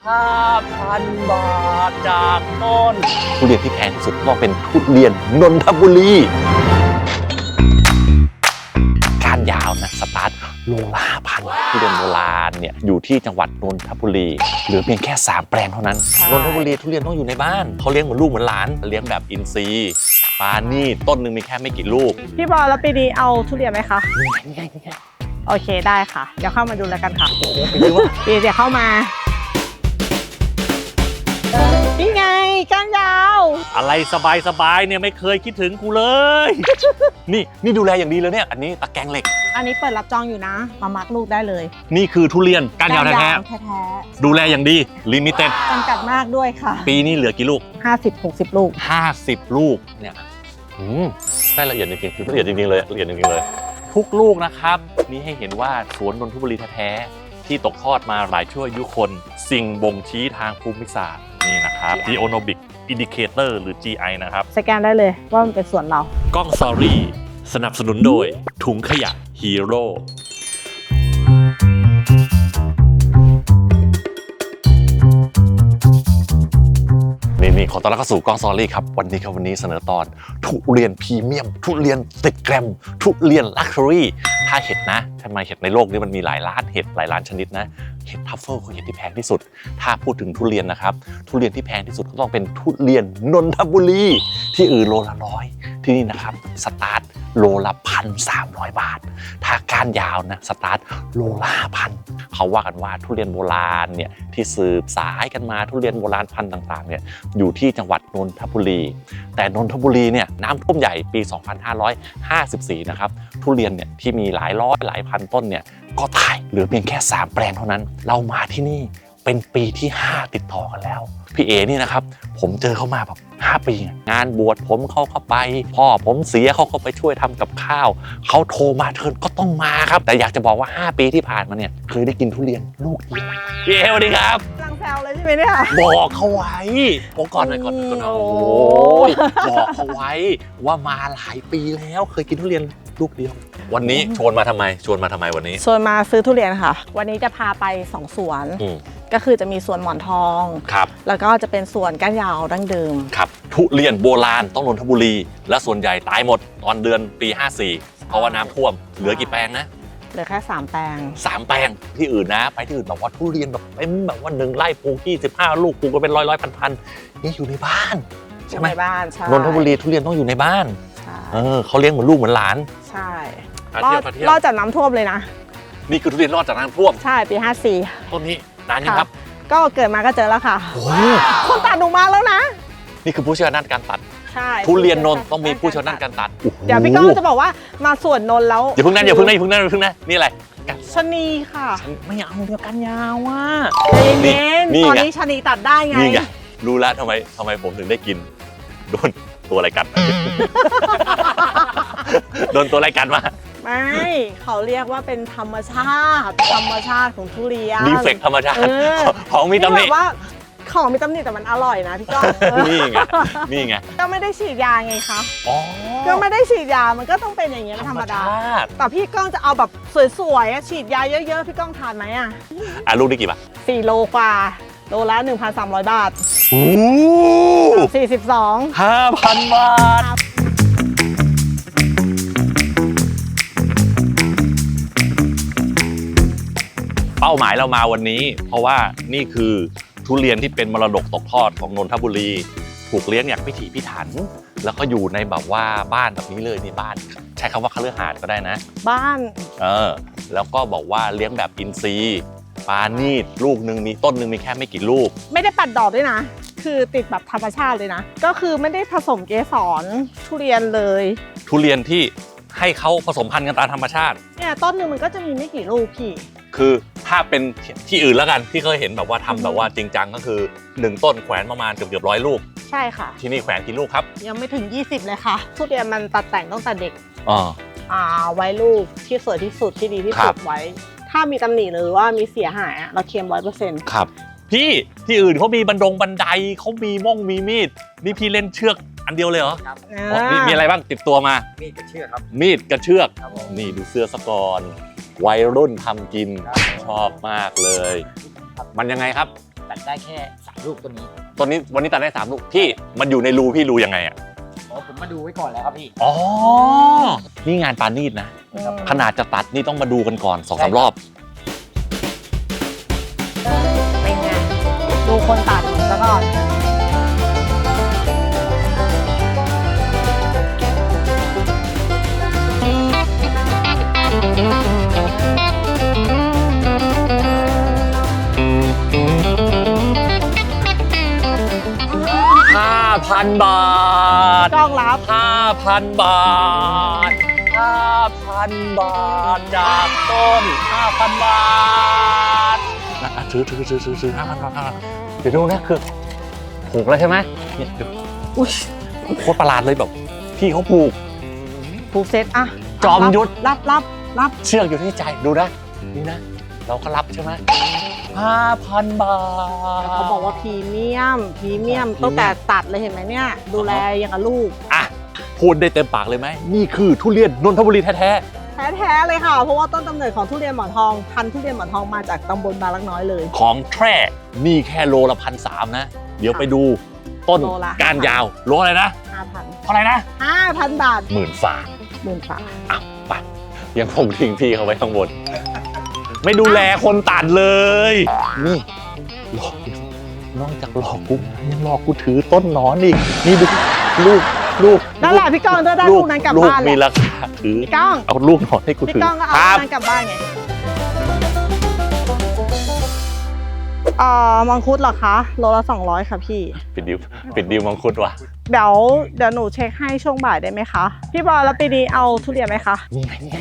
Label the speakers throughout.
Speaker 1: 5,000 บาทจากต้นทุเรียนที่แพงที่สุดต้องเป็นทุเรียนนนทบุรีก้านยาวนะสตาร์ทโลละ5,000ทุเรียนโบราณเนี่ยอยู่ที่จังหวัดนนทบุรีเหลือเพียงแค่3แปลงเท่านั้นนนทบุรีทุเรียนต้องอยู่ในบ้านเขาเลี้ยงเหมือนลูกเหมือนหลานเลี้ยงแบบอินทรีย์ปานี่ต้นหนึ่งมีแค่ไม่กี่ลูก
Speaker 2: พี่บอลแล้วปีนี้เอาทุเรียนไหมคะ
Speaker 1: นี่ไง
Speaker 2: โอเคได้ค่ะเดี๋ยวเข้ามาดูแล้วกันค่ะ
Speaker 1: โอ้โหไปดูว่า
Speaker 2: ปีเดี๋ยวเข้ามานี่ไงก้านยาว
Speaker 1: อะไรสบายเนี่ยไม่เคยคิดถึงกูเลย นี่ดูแลอย่างดีเลยเนี่ยอันนี้ตะแกรงเหล็ก
Speaker 2: อันนี้เปิดรับจองอยู่นะมามักลูกได้เลย
Speaker 1: นี่คือทุเรียนก้านยาวแท้
Speaker 2: ๆ
Speaker 1: ๆดูแลอย่างดีลิมิเต็ด
Speaker 2: จำกัดมากด้วยค่ะ
Speaker 1: ปีนี้เหลือกี่ลูก
Speaker 2: 50-60 ลูก
Speaker 1: 50 ลูกเนี่ยได้ละเอียดจริงๆคือละเอียดจริงๆเลยละเอียดจริงๆเลยทุกลูกนะครับนี่ให้เห็นว่าสวนนนทบุรีแท้ๆที่ตกทอดมาหลายชั่วอายุคนสิ่งบ่งชี้ทางภูมิศาสตร์นี่นะครับ Geonomic Indicator หรือ GI นะครับ
Speaker 2: สแกนได้เลยว่ามันเป็นสวนเรา
Speaker 1: กล้องซอรี่สนับสนุนโดยถุงขยะฮีโร่นี่ขอต้อนรับเข้าสู่กล้องซอรี่ครับวันนี้เสนอตอนทุเรียนพรีเมียมทุเรียนติดแกรมทุเรียนลักชัวรี่ถ้าเห็ดนะทำไมเห็ดในโลกนี้มันมีหลายล้านเห็ดหลายล้านชนิดนะเห็ดทัฟเฟิลคือเห็ดที่แพงที่สุดถ้าพูดถึงทุเรียนนะครับทุเรียนที่แพงที่สุดก็ต้องเป็นทุเรียนนนทบุรีที่อื่นโลละ100ที่นี่นะครับสตาร์ทโลละ1,300 บาทถ้าก้านยาวนะสตาร์ทโลละ5,000เขาว่ากันว่าทุเรียนโบราณเนี่ยที่สืบสายกันมาทุเรียนโบราณพันธุ์ต่างๆเนี่ยอยู่ที่จังหวัดนนทบุรีแต่นนทบุรีเนี่ยน้ำท่วมใหญ่ปี 2554 นะครับทุเรียนเนี่ยที่มีหลายร้อยหลายพันต้นเนี่ยก็ตายเหลือเพียงแค่3แปลงเท่านั้นเรามาที่นี่เป็นปีที่5ติดต่อกันแล้วพี่เอนี่นะครับผมเจอเขามาแบบ5 ปีงานบวชผมเขาเข้าไปพ่อผมเสียเขาก็ไปช่วยทำกับข้าวเขาโทรมาเทิร์นก็ต้องมาครับแต่อยากจะบอกว่า5 ปีที่ผ่านมาเนี่ยเคยได้กินทุเรียนลูกเดียวพี่เอสวัสดีครับ
Speaker 2: กำลังแซวเลยใช่ไหมเนี่ย
Speaker 1: บอกเขาไว้บอกก่อนเลยก่อนโอ้โหบอกเขาไว้ว่ามาหลายปีแล้วเคยกินทุเรียนลูกเดียววันนี้ชวนมาทำไมวันนี้
Speaker 2: ชวนมาซื้อทุเรียนค่ะวันนี้จะพาไป2สวนก็คือจะมีสวนหมอนทอง
Speaker 1: ครับ
Speaker 2: แล้วก็จะเป็นสวนก้านยาวดั้งเดิม
Speaker 1: ครับทุเรียนโบราณต้องนนทบุรีและส่วนใหญ่ตายหมดตอนเดือนปี54เพราะว่าน้ำท่วมเหลือกี่แปลงนะ
Speaker 2: เหลือแค่3แปลง
Speaker 1: 3แปลงที่อื่นนะไปที่อื่นแบบว่าทุเรียนแบบเต็มแบบว่า1 ไร่ปลูก25 ลูกปลูกกันเป็นร้อยพันนี่อยู่ในบ้านใช่ไหม
Speaker 2: ในบ้านใช่
Speaker 1: นนทบุรีทุเรียนต้องอยู่ในบ้านเขาเลี้ยงเหมือนลูกเหมือนหลาน
Speaker 2: ใช่รอดจากน้ำท่วมเลยนะ
Speaker 1: นี่คือทุเรียนรอดจากน้ำท่วม
Speaker 2: ใช่ปี54
Speaker 1: ต้นนี้นานยังครับ
Speaker 2: ก็เกิดมาก็เจอแล้วค่ะคนตัดหนูมาแล้วนะ
Speaker 1: นี่คือผู้เชี่ยวชาญด้านการตัด
Speaker 2: ใช่
Speaker 1: ทุเรียนนนต้องมีผู้เชี่ยวชาญด้านการตัด
Speaker 2: เดี๋ยวพี่ก้องจะบอกว่ามาสวนนนแล้ว
Speaker 1: อย่าเพิ่งนั่นนี่อะไร
Speaker 2: ชะนีค่ะ
Speaker 1: ไม่เอาเดียวกันยาวว่ะ
Speaker 2: เน้นตอนนี้ชะนีตัดได้ไง
Speaker 1: นี่ไงรู้แล้วทำไมผมถึงได้กินโดนตัวอะไรกัดโดนตัวอะไรกัดมา
Speaker 2: ไม่เขาเรียกว่าเป็นธรรมชาติของทุเรียน
Speaker 1: รีเฟกธรรมชาติของมีตำหนิ
Speaker 2: ว่าของมีตำหนิแต่มันอร่อยนะพี่ก้อง
Speaker 1: นี่ไง
Speaker 2: ก็ไม่ได้ฉีดยาไงคะก็ไม่ได้ฉีดยามันก็ต้องเป็นอย่างเงี้ยธรรมดาแต่พี่ก้องจะเอาแบบสวยๆฉีดยาเยอะๆพี่ก้องทานไหม
Speaker 1: ลูกได้กี่บาท
Speaker 2: 4 โลกว่าโลละ 1,300 บาท
Speaker 1: โอ้
Speaker 2: 42
Speaker 1: 5,000 บาทเป้าหมายเรามาวันนี้เพราะว่านี่คือทุเรียนที่เป็นมรดกตกทอดของนนทบุรีถูกเลี้ยงอย่างพิถีพิถันแล้วก็อยู่ในแบบว่าบ้านแบบนี้เลยนี่บ้านใช้คำว่าคฤหาสน์ก็ได้นะ
Speaker 2: บ้าน
Speaker 1: แล้วก็บอกว่าเลี้ยงแบบอินทรีย์ปานีดลูกหนึ่งมีต้นหนึ่งมีแค่ไม่กี่ลูก
Speaker 2: ไม่ได้ปัดดอกด้วยนะคือติดแบบธรรมชาติเลยนะก็คือไม่ได้ผสมเกสรทุเรียนเลย
Speaker 1: ทุเรียนที่ให้เขาผสมพันธุ์กันตามธรรมชาติ
Speaker 2: เนี่ยต้นหนึ่งมันก็จะมีไม่กี่ลูกพี่
Speaker 1: คือถ้าเป็นที่อื่นแล้วกันที่เคยเห็นแบบว่าทำแบบว่าจริงจังก็คือ1 ต้นแขวนประมาณเกือบ100 ลูก
Speaker 2: ใช่ค่ะ
Speaker 1: ที่นี่แขวนกี่ลูกครับ
Speaker 2: ยังไม่ถึง20เลยค่ะทุเรียนมันตัดแต่งตั้งแต่เด็กไว้ลูกที่สวยที่สุดที่ดีที่สุดไว้ถ้ามีตำหนิหรือว่ามีเสียหายเราเคลม 100%
Speaker 1: ครับพี่ที่อื่นเขามีบันไดเขามีมีมีดนี่พี่เล่นเชือกอันเดียวเลยเหรอครับมีอะไรบ้างติดตัวมา
Speaker 3: มีดกับเชือกครับ
Speaker 1: มีดกับเชือกนี่ดูเสื้อสกรวัยรุ่นทำกินชอบมากเลยมันยังไงครับ
Speaker 3: ตัดได้แค่3ลูกตัวนี้
Speaker 1: ตัวนี้วันนี้ตัดได้3 ลูกพี่มันอยู่ในรูพี่รูยังไงอ่ะ
Speaker 3: อ๋อผมมาดูไว้ก่อนแล้วครับพี่
Speaker 1: อ๋อนี่งานปานีตนะขนาดจะตัดนี่ต้องมาดูกันก่อน2-3 รอบ
Speaker 2: เป็นไงดูคนตัดซะก่อน
Speaker 1: 5,000 บาท
Speaker 2: กล้องรับ
Speaker 1: 5,000 บาท 5,000 บาทจากต้น 5,000 บาทนะซื้อ5,000 บาทเดี๋ยวดูนะคือผูกแล้วใช่ไหมเนี่ยเดี๋ยว
Speaker 2: อุ้ย
Speaker 1: โคตรประหลาดเลยแบบพี่เขาผูก
Speaker 2: ผูกเซตอะ
Speaker 1: จอมยุทธ
Speaker 2: รับ
Speaker 1: เชือกอยู่ที่ใจดูนะนี่นะ เราก็รับใช่ไหม5,000 บาท
Speaker 2: เขาบอกว่าพรีเมียมตั้งแต่ตัดเลยเห็นไหมเนี่ย ดูแลอย่างกับลูก
Speaker 1: อ่ะพูดได้เต็มปากเลยไหมนี่คือทุเรียนนนทบุรีแท้
Speaker 2: แท้ๆเลยค่ะ เพราะว่าต้นกำเนิดของทุเรียนหมอนทองพันธุ์ทุเรียนหมอนทองมาจากตำบลบางลักน้อยเลย
Speaker 1: ๆของแท้นี่แค่โลละ1,300นะ เดี๋ยวไปดูต้น
Speaker 2: โลละ
Speaker 1: ก้านยาวโลอะไรนะ
Speaker 2: 5,000
Speaker 1: เท่าไหร่นะ
Speaker 2: 5,000 บาท
Speaker 1: 10,000 ฝ่า
Speaker 2: 10,000 บาท
Speaker 1: อ้าวไปยังคงทิ้งพี่เขาไว้ข้างบน ไม่ดูแลคนตัดเลย นี่หลอกนอกจากหลอกกูยังหลอกกูถือต้นหนอนอีกนี่ดูลูก
Speaker 2: นั่นแหละพี่ก้องได้ลูกนั้นกลับบ้าน
Speaker 1: มี
Speaker 2: แหละ
Speaker 1: ราคาถือ
Speaker 2: พี่ก้อง
Speaker 1: เอาลูกหนอนให้กู
Speaker 2: พี่
Speaker 1: ถือ
Speaker 2: ก้องก็เอา
Speaker 1: ค
Speaker 2: ลู
Speaker 1: รั
Speaker 2: ก
Speaker 1: บ
Speaker 2: นั้นกลับบ้านไงมังคุดเหรอคะโลละ200ค่ะพี่
Speaker 1: ปิดดิวมังคุดว่ะ
Speaker 2: เดี๋ยวหนูเช็คให้ช่วงบ่ายได้ไหมคะ พี่บอลแล้วปีนี้เอาทุเรียนไหมคะ
Speaker 1: นี่ไง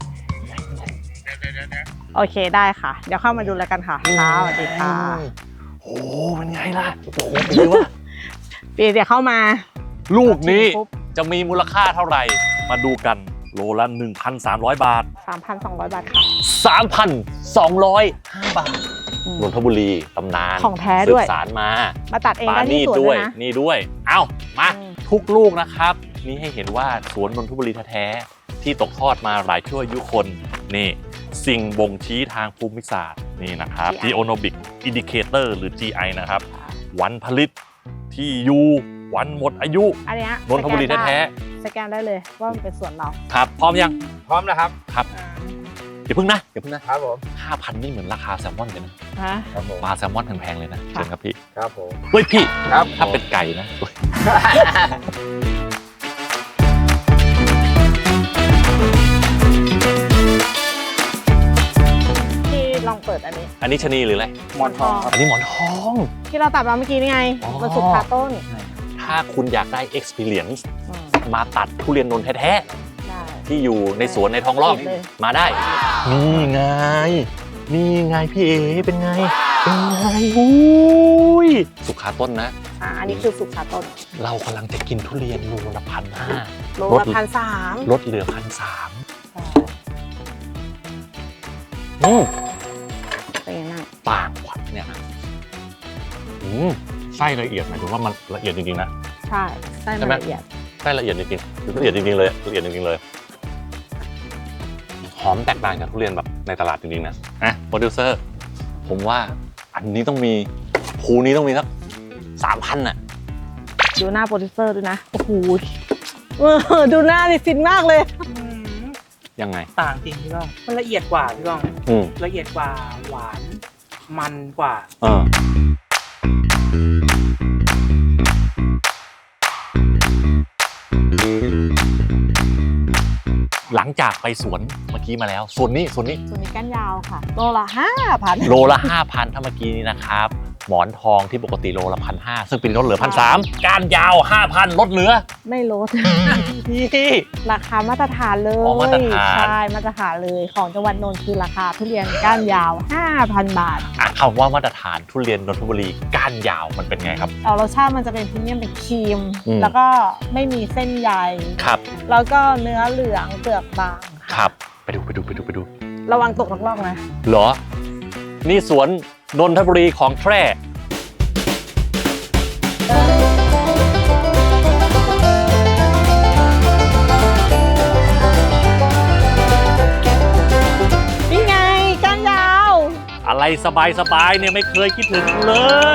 Speaker 2: โอเคได้ค่ะ เดี๋ยวเข้ามาดูแล้วกันค่ะค่ะสวัสดีค่ะ
Speaker 1: โอ้เป็นไงล่ะโอ้โหเป็นไงวะ
Speaker 2: ปีเดี๋ยวเข้ามา
Speaker 1: ลูกนี้
Speaker 2: ปุ๊บ
Speaker 1: จะมีมูลค่าเท่าไหร่ มาดูกันโลละ 1,300 บาท
Speaker 2: 3,200 บาทค่ะ
Speaker 1: 3,205 บาท
Speaker 2: อืม
Speaker 1: นนทบุรีตำนาน
Speaker 2: ของแท้ด้วย
Speaker 1: สืบสารมา
Speaker 2: มาตัดเอง
Speaker 1: ปา
Speaker 2: ได้
Speaker 1: นี
Speaker 2: ที่
Speaker 1: ต
Speaker 2: สวน
Speaker 1: ด้
Speaker 2: เล
Speaker 1: วย
Speaker 2: ยนะ
Speaker 1: นี่ด้วย เอ้ามา
Speaker 2: อืม
Speaker 1: ทุกลูกนะครับ นี่ให้เห็นว่าสวนนนทบุรีแท้ๆที่ตกทอดมาหลายชั่วอายุคนนี่สิ่งบ่งชี้ทางภูมิศาสตร์นี่นะครับ Geonomic Indicator หรือ GI นะครับ วันผลิตที่อยู่วันหมดอายุ
Speaker 2: อันเนี้ย
Speaker 1: นนทบุรีแท้
Speaker 2: สแกนได้เลยว่ามันเป็นสวนเรา
Speaker 1: ๆครับ พร้อมยัง
Speaker 3: พร้อมแล้วครับ
Speaker 1: ครับอย่าเพิ่งนะครับ
Speaker 3: ผม
Speaker 1: 5,000 นี่เหมือนราคาแซลมอนเลยนะ
Speaker 2: ฮะ
Speaker 3: ครับผม
Speaker 1: ปลาแซลมอนแพงๆเลยนะเชิญครับพี่
Speaker 3: ครับผม
Speaker 1: เฮ้ยพี่
Speaker 3: ครับ
Speaker 1: ถ้าเป็นไก่นะ
Speaker 2: ที่ลองเปิดอันนี้
Speaker 1: อันนี้ชะนีหรืออะไร
Speaker 3: หมอนทองครับ
Speaker 1: อันนี้หมอนทอง
Speaker 2: ที่เราตัดมาเมื่อกี้นี่ไง
Speaker 1: อ๋อ
Speaker 2: มันสุกคาต้น
Speaker 1: ถ้าคุณอยากได้ experience
Speaker 2: อืม
Speaker 1: มาตัดทุเรียนนนท์แท้
Speaker 2: ได้
Speaker 1: ๆที่อยู่ในสวนในท้องร่อง
Speaker 2: ติดเลย
Speaker 1: มาได้ นี่ไง นี่ไงพี่เอเป็นไง เป็นไงอุ้ยสุกขาต้นนะ
Speaker 2: อันนี้คือสุกคาต้น
Speaker 1: เรากำลังจะกินทุเรียนโลละ1,500
Speaker 2: โลละ1,300
Speaker 1: ลดเหลือ1,300
Speaker 2: เป็นยังไงบ้าง
Speaker 1: ต่างกว่าเนี่ยไส้ละเอียดหมายถึงว่ามันละเอียดจริงๆนะ
Speaker 2: ใช่ไส้มันละเอียด
Speaker 1: ไส้ละเอียดจริงๆละเอียดจริงๆเลยละเอียดจริงๆเลยหอมแตกต่างจากทุเรียนแบบในตลาดจริงๆนะโปรดิวเซอร์ผมว่าอันนี้ต้องมีภูนี้ต้องมีสัก3,000น่ะ
Speaker 2: ดูหน้าโปรดิวเซอร์ด้วยนะ โอ้โหดูหน้าดิฟินมากเลย
Speaker 1: ยังไง
Speaker 3: ต่างจริงพี่ก้องมันละเอียดกว่าพี่ก้อง
Speaker 1: อืม
Speaker 3: ละเอียดกว่าหวานมันกว่า
Speaker 1: หลังจากไปสวนเมื่อกี้มาแล้วส่วนนี้
Speaker 2: ส่วนนี้ก้านยาวค่ะ โลละ 5,000
Speaker 1: โลละ 5,000 ถ้าเมื่อกี้นี้นะครับ หมอนทองที่ปกติโลละ1,500ซึ่งปีนี้ลดเหลือ1,300ก้านยาว 5,000 ลดเหลือ
Speaker 2: ไม่ลด
Speaker 1: พี่
Speaker 2: ราคามาตรฐานเลย
Speaker 1: อ๋อมาตรฐาน
Speaker 2: ใช่มาตรฐานเลยของจังหวัดนนท์คือราคาทุเรียนก้านยาว 5,000 บาท
Speaker 1: คำว่ามาตรฐานทุเรียนนนทบุรีก้านยาวมันเป็นไงครับ
Speaker 2: เอารสชาติมันจะเป็นพรีเมียมเป็นครีม
Speaker 1: อืม
Speaker 2: แล้วก็ไม่มีเส้นใย
Speaker 1: ครับ
Speaker 2: แล้วก็เนื้อเหลืองเปลือกบาง
Speaker 1: ครับไปดู
Speaker 2: ระวังตกล่องๆนะ
Speaker 1: เหรอ นี่สวนนนทบุรีของแท้
Speaker 2: นี่ไงก้านยาว
Speaker 1: อะไรอะไรสบายๆเนี่ยไม่เคยคิดถึงเลย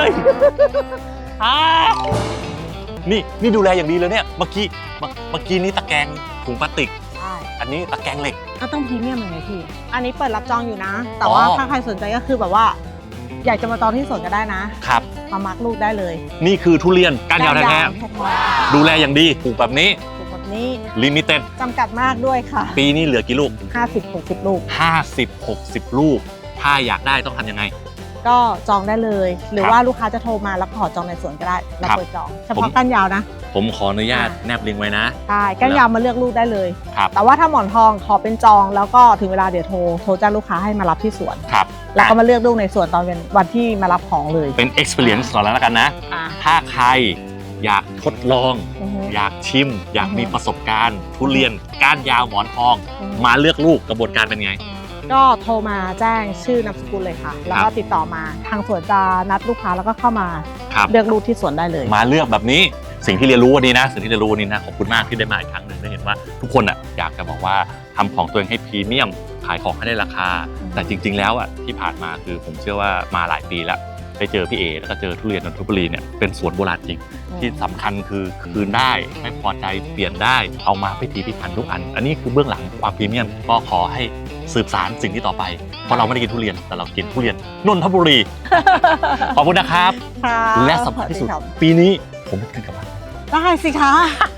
Speaker 1: นี่ดูแลอย่างดีเลยเนี่ยเมื่อกี้นี่ตะแกรงถุงพลาสติก
Speaker 2: ใช่
Speaker 1: อันนี้ตะแกรงเหล็ก
Speaker 2: ก็ต้องพรีเมียมยังไงพี่อันนี้เปิดรับจองอยู่นะ แต่ว่า
Speaker 1: อ๋อ
Speaker 2: ถ้าใครสนใจก็คือแบบว่า อยากจะมาจองที่สวนก็ได้นะครับ มามาร์กลูกได้เลย
Speaker 1: นี่คือทุเรียนก้านยาวแท้
Speaker 2: ๆแท้
Speaker 1: ๆดูแลอย่างดีปลูกแบบนี้
Speaker 2: ๆปลูกแบบนี้
Speaker 1: ลิมิเต็ด
Speaker 2: จำกัดมากด้วยค่ะ
Speaker 1: ปีนี้เหลือกี่ลูก
Speaker 2: 50-60 ลูก
Speaker 1: 50-60 ลูก ถ้าอยากได้ต้องทำยังไง
Speaker 2: ก็จองได้เลย หรือ
Speaker 1: ครับ
Speaker 2: ว่าลูกค้าจะโทรมาแล้วขอจองในสวนก็ได้แล้ว
Speaker 1: ครับ
Speaker 2: เปิดจองเฉพาะก้านยาวนะ
Speaker 1: ผมขออนุญาตแนบลิงก์ไว้นะ
Speaker 2: ใช่ก้านยาวมาเลือกลูกได้เลย
Speaker 1: ครับ
Speaker 2: แต่ว่าถ้าหมอนทองขอเป็นจองแล้วก็ถึงเวลาเดี๋ยวโทรแจ้งลูกค้าให้มารับที่สวน
Speaker 1: ครับ
Speaker 2: แล้วก็มาเลือกลูกในสวนตอนเป็นวันที่มารับของเลย
Speaker 1: เป็น experience ก่อนแล้วกันนะ
Speaker 2: อ่า
Speaker 1: ถ้าใครอยากทดลอง
Speaker 2: อือฮึ
Speaker 1: อยากชิม อยาก
Speaker 2: อือฮึ
Speaker 1: มีประสบการณ์ ทุเรียนก้านยาวหมอนทอง
Speaker 2: อือฮึ
Speaker 1: มาเลือกลูกกระบวนการเป็นไง
Speaker 2: ก็โทรมาแจ้งชื่อนามสกุลเลยค่ะ แล้วก็ติดต่อมาทางสวนจะนัดลูกค้าแล้วก็เข้ามา
Speaker 1: ครับ
Speaker 2: เลือกลูกที่สวนได้เลย
Speaker 1: มาเลือกแบบนี้สิ่งที่เรียนรู้วันนี้นะสิ่งที่เรียนรู้วันนี้นะขอบคุณมากที่ได้มาอีกครั้งหนึ่งได้เห็นว่าทุกคนอ่ะอยากจะบอกว่าทำของตัวเองให้พรีเมียมขายของให้ได้ราคา แต่จริง ๆ แล้วอ่ะที่ผ่านมาคือผมเชื่อว่ามาหลายปีแล้วได้เจอพี่เอแล้วก็เจอทุเรียนนนทบุรีเนี่ยเป็นสวนโบราณจริง ที่สำคัญคือคืนได้ไม่พอใจเปลี่ยนได้เอามาพิถีพิถันทุกอัน อันนี้คือเบื้องหลังความพรีเมียมก็ขอให้สืบสานสิ่งที่ต่อไปเพราะเราไม่ได้กินทุเรียนแต่เรากินทุเรียนนนทบุรี ขอบคุณนะครับ
Speaker 2: ค่ะ
Speaker 1: และสำคัญที่สุด
Speaker 2: ครับ
Speaker 1: ปีนี้ผมไม่กินกลับบ้าน
Speaker 2: ได้สิคะ